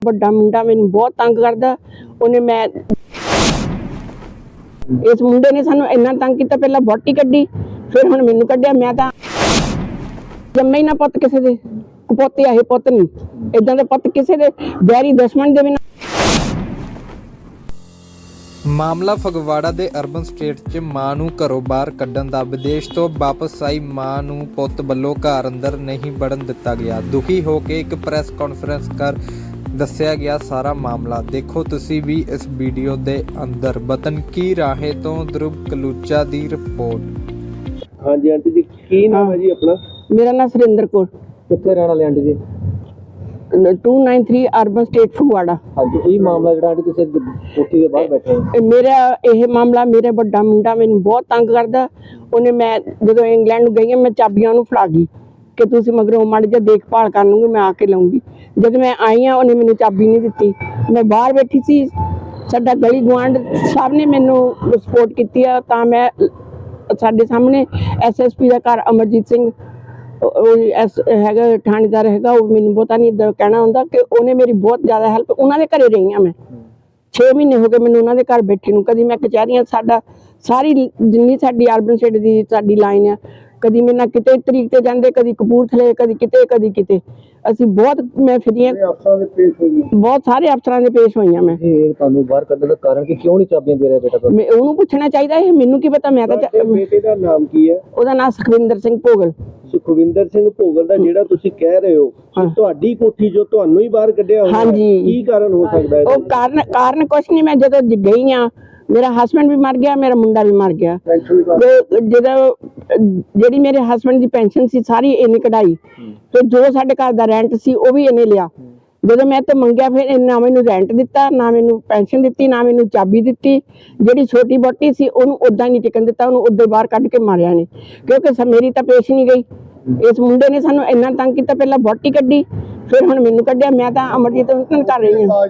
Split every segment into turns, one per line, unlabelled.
ਵੱਡਾ ਮੁੰਡਾ ਮੈਨੂੰ ਬਹੁਤ ਤੰਗ ਕਰਦਾ। ਉਹਨੇ ਮੈਂ ਇਸ ਮੁੰਡੇ ਨੇ ਸਾਨੂੰ ਇੰਨਾ ਤੰਗ ਕੀਤਾ, ਪਹਿਲਾਂ ਵਹੁਟੀ ਕੱਢੀ, ਫਿਰ ਹੁਣ ਮੈਨੂੰ ਕੱਢਿਆ। ਮੈਂ ਤਾਂ ਜੰਮੇ ਹੀ ਨਾ ਪੁੱਤ ਕਿਸੇ ਦੇ, ਕੁਪੋਤੇ ਆਏ ਪੁੱਤ ਨਹੀਂ, ਇਦਾਂ ਦੇ ਪੁੱਤ ਕਿਸੇ ਦੇ ਵੈਰੀ ਦੁਸ਼ਮਣ ਦੇ ਵੀ ਨਾ।
ਮਾਮਲਾ ਫਗਵਾੜਾ ਦੇ ਅਰਬਨ ਸਟੇਟ 'ਚ ਮਾਂ ਨੂੰ ਘਰੋਂ ਬਾਹਰ ਕੱਢਣ ਦਾ ਵਿਦੇਸ਼ ਤੋਂ ਵਾਪਸ ਆਈ ਮਾਂ ਨੂੰ ਪੁੱਤ ਵੱਲੋਂ ਘਰ ਅੰਦਰ ਨਹੀਂ ਵੜਨ ਦਿੱਤਾ ਗਿਆ। ਦੁਖੀ ਹੋ ਕੇ ਇੱਕ ਪ੍ਰੈਸ ਕਾਨਫਰੰਸ ਕਰ ਦੱਸਿਆ ਗਿਆ ਸਾਰਾ ਮਾਮਲਾ। ਦੇਖੋ ਤੁਸੀਂ ਵੀ ਇਸ ਵੀਡੀਓ ਦੇ ਅੰਦਰ। ਵਤਨ ਕੀ ਰਾਹੇ ਤੋਂ ਧਰੁਵ ਕਲੂਚਾ ਦੀ ਰਿਪੋਰਟ।
ਹਾਂਜੀ ਆਂਟੀ ਜੀ, ਕੀ ਨਾਮ ਹੈ ਜੀ ਆਪਣਾ?
ਮੇਰਾ ਨਾਮ ਸੁਰਿੰਦਰ ਕੌਰ।
ਕਿੱਥੇ ਰਹਿਣ ਵਾਲੇ ਆਂਟੀ ਜੀ?
293 ਅਰਬਨ ਸਟੇਟ ਫਗਵਾੜਾ।
ਹਾਂਜੀ, ਇਹ ਮਾਮਲਾ ਜਿਹੜਾ ਆਂਟੀ ਤੁਸੀਂ ਕੋਠੀ ਦੇ ਬਾਹਰ ਬੈਠੇ ਹੋ,
ਮੇਰਾ ਇਹ ਮਾਮਲਾ, ਮੇਰਾ ਵੱਡਾ ਮੁੰਡਾ ਮੈਨੂੰ ਬਹੁਤ ਤੰਗ ਕਰਦਾ। ਉਹਨੇ ਮੈਂ ਜਦੋਂ ਇੰਗਲੈਂਡ ਨੂੰ ਗਈ, ਮੈਂ ਚਾਬੀਆਂ ਉਹਨੂੰ ਫੜਾ ਗਈ ਕਿ ਤੁਸੀਂ ਮਗਰੋਂ ਮਾੜੀ ਜਿਹਾ ਦੇਖਭਾਲ ਕਰ ਲੂੰਗੀ, ਮੈਂ ਆ ਕੇ ਲਾਉਂਗੀ। ਜਦ ਮੈਂ ਆਈ ਹਾਂ, ਉਹਨੇ ਮੈਨੂੰ ਚਾਬੀ ਨਹੀਂ ਦਿੱਤੀ। ਮੈਂ ਬਾਹਰ ਬੈਠੀ ਸੀ, ਸਾਡਾ ਗਲੀ ਗੁਆਂਢ ਸਭ ਨੇ ਮੈਨੂੰ ਸਪੋਰਟ ਕੀਤੀ ਆ। ਤਾਂ ਮੈਂ ਸਾਡੇ ਸਾਹਮਣੇ SSP ਦਾ ਘਰ ਅਮਰਜੀਤ ਸਿੰਘ ਹੈਗਾ, ਥਾਣੇਦਾਰ ਹੈਗਾ, ਉਹ ਮੈਨੂੰ ਬਹੁਤਾ ਨਹੀਂ ਇੱਦਾਂ ਕਹਿਣਾ ਹੁੰਦਾ ਕਿ ਉਹਨੇ ਮੇਰੀ ਬਹੁਤ ਜ਼ਿਆਦਾ ਹੈਲਪ। ਉਹਨਾਂ ਦੇ ਘਰੇ ਰਹੀ ਹਾਂ ਮੈਂ 6 ਮਹੀਨੇ ਹੋ ਗਏ ਮੈਨੂੰ ਉਹਨਾਂ ਦੇ ਘਰ ਬੈਠੇ ਨੂੰ। ਕਦੀ ਮੈਂ ਕਚਹਿਰੀਆਂ, ਸਾਡਾ ਸਾਰੀ ਜਿੰਨੀ ਸਾਡੀ ਅਰਬਨ ਸਟੇਟ ਦੀ ਸਾਡੀ ਲਾਈਨ ਆ, ਕਦੀ ਮੇਰੇ ਨਾਲ ਕਿਤੇ ਤਰੀਕ ਤੇ ਜਾਂਦੇ, ਕਦੀ ਕਪੂਰਥਲੇ, ਕਦੀ ਕਿਤੇ ਅਸੀਂ ਬਹੁਤ, ਮੈਂ ਫਿਰੀਆਂ ਬਹੁਤ ਸਾਰੇ ਅਫਸਰਾਂ ਦੇ ਪੇਸ਼ ਹੋਈਆਂ। ਮੈਂ
ਤੁਹਾਨੂੰ ਬਾਹਰ ਕੱਢਣ ਦਾ ਕਾਰਨ ਕਿ ਕਿਉਂ ਨਹੀਂ ਚਾਬੀਆਂ ਦੇ ਰਿਹਾ ਬੇਟਾ ਤੁਹਾਨੂੰ?
ਮੈਂ ਉਹਨੂੰ ਪੁੱਛਣਾ ਚਾਹੀਦਾ, ਇਹ ਮੈਨੂੰ ਕੀ ਪਤਾ। ਮੈਂ ਤਾਂ
ਬੇਟੇ ਦਾ ਨਾਮ ਕੀ ਹੈ?
ਉਹਦਾ ਨਾਮ ਸੁਖਵਿੰਦਰ ਸਿੰਘ ਭੋਗਲ।
ਸੁਖਵਿੰਦਰ ਸਿੰਘ ਭੋਗਲ ਦਾ ਜਿਹੜਾ ਤੁਸੀਂ ਕਹਿ ਰਹੇ ਹੋ ਕਿ ਤੁਹਾਡੀ ਕੋਠੀ ਜੋ ਤੁਹਾਨੂੰ ਹੀ ਬਾਹਰ ਕੱਢਿਆ ਹੋਇਆ,
ਹਾਂਜੀ,
ਕੀ ਕਾਰਨ ਹੋ ਸਕਦਾ ਹੈ?
ਉਹ ਕਾਰਨ ਕੁਛ ਨਹੀਂ। ਮੈਂ ਜਦੋਂ ਗਈ ਆ, ਮੇਰਾ ਹਸਬੈਂਡ ਵੀ ਮਰ ਗਿਆ, ਮੇਰਾ ਮੁੰਡਾ ਵੀ ਮਰ ਗਿਆ। ਜਦੋਂ ਜਿਹੜੀ ਮੇਰੇ ਹਸਬੈਂਡ ਦੀ ਪੈਨਸ਼ਨ ਸੀ ਸਾਰੀ ਇਹਨੇ ਕਢਾਈ, ਤੇ ਜੋ ਸਾਡੇ ਘਰ ਦਾ ਰੈਂਟ ਸੀ ਉਹ ਵੀ ਇਹਨੇ ਲਿਆ। ਜਦੋਂ ਮੈਂ ਤੇ ਮੰਗਿਆ, ਫਿਰ ਨਾ ਮੈਨੂੰ ਰੈਂਟ ਦਿੱਤਾ, ਨਾ ਮੈਨੂੰ ਪੈਨਸ਼ਨ ਦਿੱਤੀ, ਨਾ ਮੈਨੂੰ ਚਾਬੀ ਦਿੱਤੀ। ਜਿਹੜੀ ਛੋਟੀ ਬੋਟੀ ਸੀ ਉਹਨੂੰ ਉਦਾਂ ਨਹੀਂ ਟਿਕਣ ਦਿੱਤਾ, ਉਹਨੂੰ ਉਦਾਂ ਬਾਹਰ ਕੱਢ ਕੇ ਮਾਰਿਆ ਨੇ, ਕਿਉਂਕਿ ਮੇਰੀ ਤਾਂ ਪੇਸ਼ ਨਹੀਂ ਗਈ। ਇਸ ਮੁੰਡੇ ਨੇ ਸਾਨੂੰ ਇੰਨਾ ਤੰਗ ਕੀਤਾ, ਪਹਿਲਾਂ ਵਹੁਟੀ ਕੱਢੀ, ਫਿਰ ਹੁਣ ਮੈਨੂੰ ਕੱਢਿਆ। ਮੈਂ ਤਾਂ ਅਮਰਜੀਤ ਨੂੰ ਕਰ ਰਹੀ ਹਾਂ।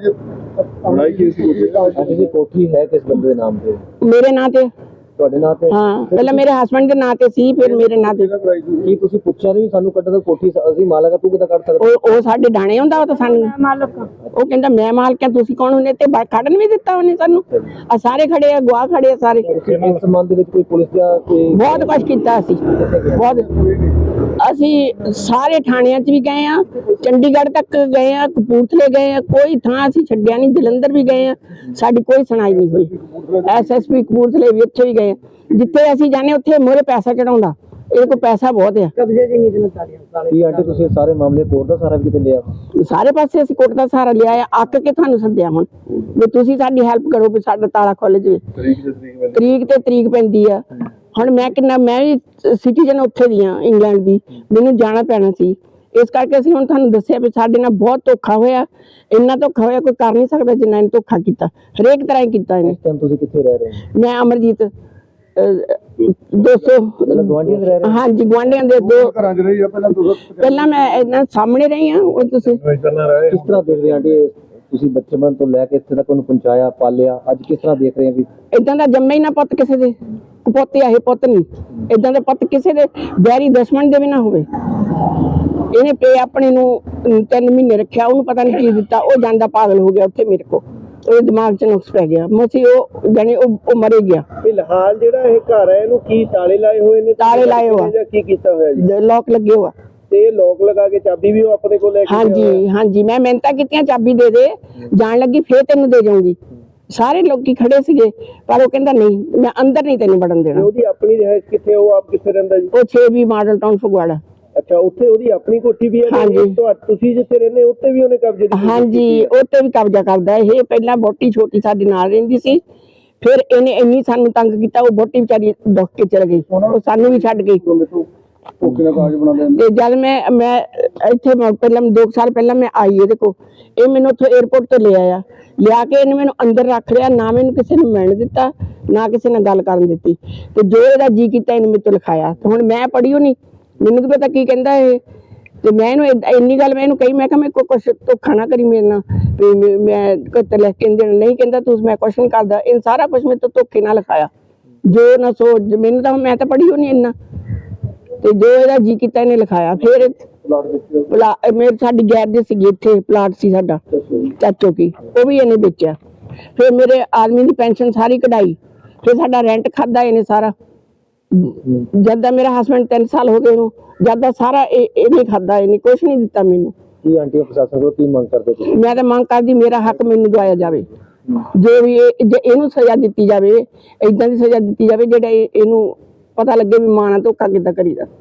ਕੋਠੀ ਹੈ ਕਿਸ ਬੰਦੇ ਦੇ ਨਾਮ ਤੇ?
ਮੇਰੇ ਨਾਂ ਤੇ।
ਤੁਹਾਡੇ ਨਾਂ ਤੇ?
ਹਾਂ, ਪਹਿਲਾਂ ਮੇਰੇ ਹਸਬੈਂਡ ਦੇ ਨਾਂ ਤੇ ਸੀ, ਫਿਰ ਮੇਰੇ ਨਾਂ ਤੇ।
ਕੀ ਤੁਸੀਂ ਪੁੱਛਿਆ ਨਹੀਂ ਸਾਨੂੰ ਕੱਢਣ ਦਾ? ਕੋਠੀ ਅਸੀਂ ਮਾਲਕ ਆ, ਤੂੰ ਕਿੱਦਾਂ ਕੱਢ ਸਕਦਾ?
ਉਹ ਸਾਡੇ ਡਾਣੇ ਹੁੰਦਾ, ਉਹ ਤਾਂ ਸਾਨੂੰ ਮਾਲਕ। ਉਹ ਕਹਿੰਦਾ ਮੈਂ ਮਾਲਕ ਆ, ਤੁਸੀਂ ਕੌਣ ਹੁੰਦੇ? ਤੇ ਕੱਢਣ ਵੀ ਦਿੱਤਾ ਉਹਨੇ ਸਾਨੂੰ। ਆ ਸਾਰੇ ਖੜੇ ਆ, ਗਵਾਹ ਖੜੇ ਆ ਸਾਰੇ।
ਇਸ ਸੰਬੰਧ ਦੇ ਵਿੱਚ ਕੋਈ ਪੁਲਿਸ ਦਾ
ਬਹੁਤ ਕੁਛ ਕੀਤਾ ਅਸੀਂ, ਬਹੁਤ। ਅਸੀਂ ਸਾਰੇ ਥਾਣਿਆਂ 'ਚ ਵੀ ਗਏ ਆ, ਚੰਡੀਗੜ੍ਹ ਤੱਕ ਗਏ ਆ, ਕਪੂਰਥਲੇ ਗਏ ਆ, ਕੋਈ ਥਾਂ ਅਸੀਂ ਛੱਡਿਆ ਨਹੀਂ। ਜਲੰਧਰ ਵੀ ਗਏ ਆ, ਸਾਡੀ ਕੋਈ ਸੁਣਾਈ ਨਹੀਂ ਹੋਈ। SSP ਕਪੂਰਥਲੇ ਵੀ, ਉੱਥੇ ਵੀ ਗਏ। ਜਿੱਥੇ ਅਸੀਂ ਜਾਂਦੇ ਉੱਥੇ ਮੋਰੇ ਪੈਸਾ ਚੜਾਉਂਦਾ, ਇਹਦੇ ਕੋਲ ਪੈਸਾ ਬਹੁਤ ਆ। ਕਬਜ਼ੇ ਦੀ ਨੀਂਦ ਨਾਲ
ਕੀ ਆਂਟੀ ਤੁਸੀਂ ਸਾਰੇ ਮਾਮਲੇ ਕੋਰਟ ਦਾ ਸਹਾਰਾ ਵੀ ਕਿਤੇ ਲਿਆ? ਸਾਰੇ
ਪਾਸੇ ਅਸੀਂ ਕੋਰਟ ਦਾ ਸਹਾਰਾ ਲਿਆ ਆ। ਅੱਕ ਕੇ ਤੁਹਾਨੂੰ ਸੱਦਿਆ ਹੁਣ ਵੀ ਤੁਸੀਂ ਸਾਡੀ ਹੈਲਪ ਕਰੋ ਵੀ ਸਾਡਾ ਤਾਲਾ ਖੁੱਲ ਜਾਵੇ। ਤਰੀਕ ਤੇ ਤਰੀਕ ਪੈਂਦੀ ਆ। ਹੁਣ ਮੈਂ ਵੀ ਸਿਟੀਜ਼ਨ ਉੱਥੇ ਦੀ ਆ, ਇੰਗਲੈਂਡ ਦੀ, ਮੈਨੂੰ ਜਾਣਾ ਪੈਣਾ ਸੀ। ਇਸ ਕਰਕੇ ਅਸੀਂ ਹੁਣ ਤੁਹਾਨੂੰ ਦੱਸਿਆ ਵੀ ਸਾਡੇ ਨਾਲ ਬਹੁਤ ਧੋਖਾ ਹੋਇਆ। ਇੰਨਾ ਧੋਖਾ ਹੋਇਆ ਕੋਈ ਕਰ ਨਹੀਂ ਸਕਦਾ ਜਿੰਨਾ ਇਹਨੇ ਧੋਖਾ ਕੀਤਾ, ਹਰੇਕ ਤਰ੍ਹਾਂ ਹੀ ਕੀਤਾ ਇਹਨੇ।
ਤੁਸੀਂ ਕਿੱਥੇ ਰਹਿ ਰਹੇ ਹੋ?
ਮੈਂ ਅਮਰਜੀਤ 200 ਹਾਂਜੀ, ਗੁਆਂਢੀਆਂ ਦੇ ਦੋ ਘਰਾਂ 'ਚ ਰਹੀ ਆ। ਪਹਿਲਾਂ ਮੈਂ ਇਹਨਾਂ ਸਾਹਮਣੇ ਰਹੀ ਆ। ਉਹ ਤੁਸੀਂ
ਕਿਸ ਤਰ੍ਹਾਂ ਦੇਖ ਰਹੇ ਆਂਟੀ? ਤੁਸੀਂ ਬਚਪਨ ਤੋਂ ਲੈ ਕੇ ਇੱਥੇ ਤੱਕ ਉਹਨੂੰ ਪਹੁੰਚਾਇਆ, ਪਾਲਿਆ, ਅੱਜ ਕਿਸ ਤਰ੍ਹਾਂ ਦੇਖ ਰਹੇ ਆ ਵੀ
ਇਦਾਂ ਦਾ ਜੰਮੇ ਹੀ ਨਾ ਪੁੱਤ ਕਿਸੇ ਦੇ, ਕੁਪੋਤੇ ਆਏ ਪੁੱਤ ਨਹੀਂ, ਇਦਾਂ ਦੇ ਪੁੱਤ ਕਿਸੇ ਦੇ ਵੈਰੀ ਦੁਸ਼ਮਣ ਦੇ ਵੀ ਨਾ ਹੋਵੇ। ਇਹਨੇ ਪੇ ਆਪਣੇ ਨੂੰ 3 ਮਹੀਨੇ ਰੱਖਿਆ, ਉਹਨੂੰ ਪਤਾ ਨਹੀਂ ਕੀ ਦਿੱਤਾ, ਉਹ ਜਾਂਦਾ ਪਾਗਲ ਹੋ ਗਿਆ ਉੱਥੇ ਮੇਰੇ ਕੋਲ। ਉਹਦੇ ਦਿਮਾਗ 'ਚ ਨੁਕਸ ਪੈ ਗਿਆ, ਮਸੀਂ ਉਹ ਜਾਣੇ ਉਹ ਮਰੇ ਗਿਆ।
ਫਿਲਹਾਲ ਜਿਹੜਾ ਇਹ ਘਰ ਹੈ ਇਹਨੂੰ ਕੀ ਤਾਲੇ ਲਾਏ ਹੋਏ ਨੇ?
ਤਾਲੇ ਲਾਏ ਹੋਆ,
ਕੀ ਕੀਤਾ ਹੋਇਆ ਜੀ?
ਲੋਕ ਲੱਗੇ ਹੋਆ।
ਤੇ ਲੋਕ ਲਗਾ ਕੇ ਚਾਬੀ ਵੀ ਉਹ ਆਪਣੇ ਕੋਲ ਲੈ ਕੇ?
ਹਾਂਜੀ, ਮੈਂ ਮਿਹਨਤਾਂ ਕੀਤੀਆਂ, ਚਾਬੀ ਦੇ ਦੇ, ਜਾਣ ਲੱਗੀ ਫੇਰ ਤੈਨੂੰ ਦੇ ਜਾਊਂਗੀ। ਸਾਰੇ ਲੋਕੀ ਖੜੇ ਸੀਗੇ, ਪਰ ਉਹ ਕਹਿੰਦਾ ਨਹੀਂ, ਮੈਂ ਅੰਦਰ ਨਹੀਂ ਤੈਨੂੰ ਵੜਨ ਦੇਣਾ।
ਉਹਦੀ ਆਪਣੀ ਰਿਹਾਇਸ਼ ਕਿੱਥੇ? ਉਹ ਆਪ ਕਿੱਥੇ ਰਹਿੰਦਾ ਜੀ?
ਉਹ 6 ਮਾਡਲ ਟਾਊਨ ਫਗਵਾੜਾ।
ਅੱਛਾ, ਉੱਥੇ ਉਹਦੀ ਆਪਣੀ ਕੋਠੀ ਵੀ ਹੈ?
ਹਾਂਜੀ।
ਤੁਸੀਂ ਜਿੱਥੇ ਰਹਿੰਦੇ ਉੱਥੇ ਵੀ ਉਹਨੇ ਕਬਜ਼ੇ ਦੀ?
ਹਾਂਜੀ, ਉੱਥੇ ਵੀ ਕਬਜ਼ਾ ਕਰਦਾ ਇਹ। ਪਹਿਲਾਂ ਵਹੁਟੀ ਛੋਟੀ ਸਾਡੇ ਨਾਲ ਰਹਿੰਦੀ ਸੀ, ਫਿਰ ਇਹਨੇ ਇੰਨੀ ਸਾਨੂੰ ਤੰਗ ਕੀਤਾ, ਉਹ ਵਹੁਟੀ ਵਿਚਾਰੀ ਦੁੱਖ ਕੇ ਚਲ ਗਈ, ਉਹ ਸਾਨੂੰ ਵੀ ਛੱਡ ਗਈ। ਤੇ ਜਦ ਮੈਂ ਇੱਥੇ ਪਹਿਲਾਂ 2 ਸਾਲ ਪਹਿਲਾਂ ਮੈਂ ਆਈ ਇਹਦੇ ਕੋਲ, ਇਹ ਮੈਨੂੰ ਉੱਥੋਂ 에ਅਰਪੋਰਟ ਤੋਂ ਲਿਆ ਕੇ ਇਹਨੇ ਮੈਨੂੰ ਅੰਦਰ ਰੱਖ ਲਿਆ। ਨਾ ਮੈਨੂੰ ਕਿਸੇ ਨੂੰ ਮਿਲਣ ਦਿੱਤਾ, ਨਾ ਕਿਸੇ ਨਾਲ ਗੱਲ ਕਰਨ ਦਿੱਤੀ। ਤੇ ਜੋ ਇਹਦਾ ਜੀ ਕੀਤਾ ਇਹਨੇ ਮੇਰੇ ਤੋਂ ਲਿਖਾਇਆ। ਤੇ ਹੁਣ ਮੈਂ ਪੜ੍ਹੀ ਨਹੀਂ, ਮੈਨੂੰ ਕੀ ਪਤਾ ਕੀ ਕਹਿੰਦਾ ਇਹ। ਤੇ ਮੈਂ ਇਹਨੂੰ ਇੰਨੀ ਗੱਲ ਮੈਂ ਇਹਨੂੰ ਕਹੀ, ਮੈਂ ਕਿਹਾ ਮੇਰੇ ਕੋਲ ਕੁਛ ਧੋਖਾ ਨਾ ਕਰੀ ਮੇਰੇ ਨਾਲ, ਵੀ ਮੈਂ ਕਿਤੇ ਲਿਖ ਕੇ ਦੇਣਾ ਨਹੀਂ। ਕਹਿੰਦਾ ਤੂੰ, ਮੈਂ ਕੁਛ ਨਹੀਂ ਕਰਦਾ। ਇਹ ਸਾਰਾ ਕੁਛ ਮੇਰੇ ਤੋਂ ਧੋਖੇ ਨਾਲ ਲਿਖਾਇਆ, ਜੋ ਨਾ ਸੋਚ। ਮੈਨੂੰ ਤਾਂ, ਮੈਂ ਤਾਂ ਪੜ੍ਹੀ ਹੋਣੀ ਇੰਨਾ, ਤੇ ਜੋ ਇਹਦਾ ਜੀ ਕੀਤਾ ਇਹਨੇ ਲਿਖਾਇਆ। ਫਿਰ
ਪਲਾਟ ਵਿੱਚ
ਮੇਰੇ ਸਾਡੀ ਗੈਰ ਦੇ ਸੀਗੀ, ਇੱਥੇ ਪਲਾਟ ਸੀ ਸਾਡਾ ਚਾਚੋ ਕੀ, ਉਹ ਵੀ ਇਹਨੇ ਵੇਚਿਆ। ਫਿਰ ਮੇਰੇ ਆਦਮੀ ਦੀ ਪੈਨਸ਼ਨ ਸਾਰੀ ਕਢਾਈ, ਫਿਰ ਸਾਡਾ ਰੈਂਟ ਖਾਦਾ ਇਹਨੇ ਸਾਰਾ। ਜਦ ਦਾ ਮੇਰਾ ਹਸਬੰਡ 3 ਸਾਲ ਹੋ ਗਏ ਉਹਨੂੰ, ਜਦ ਦਾ ਸਾਰਾ ਇਹਨੇ ਖਾਦਾ, ਇਹਨੇ ਕੁਛ ਨਹੀਂ ਦਿੱਤਾ ਮੈਨੂੰ।
ਕੀ ਆਂਟੀ ਪ੍ਰਸ਼ਾਸਨ ਕੋਲ ਕੀ ਮੰਗ ਕਰਦੇ ਤੁਸੀਂ?
ਮੈਂ ਤਾਂ ਮੰਗ ਕਰਦੀ ਮੇਰਾ ਹੱਕ ਮੈਨੂੰ ਦਵਾਇਆ ਜਾਵੇ, ਜੋ ਵੀ ਜੇ ਇਹਨੂੰ ਸਜ਼ਾ ਦਿੱਤੀ ਜਾਵੇ, ਏਦਾਂ ਦੀ ਸਜ਼ਾ ਦਿੱਤੀ ਜਾਵੇ ਜਿਹੜਾ ਇਹਨੂੰ ਪਤਾ ਲੱਗੇ ਵੀ ਮਾਂ ਨਾਲ ਧੋਖਾ ਕਿੱਦਾਂ ਕਰੀਦਾ।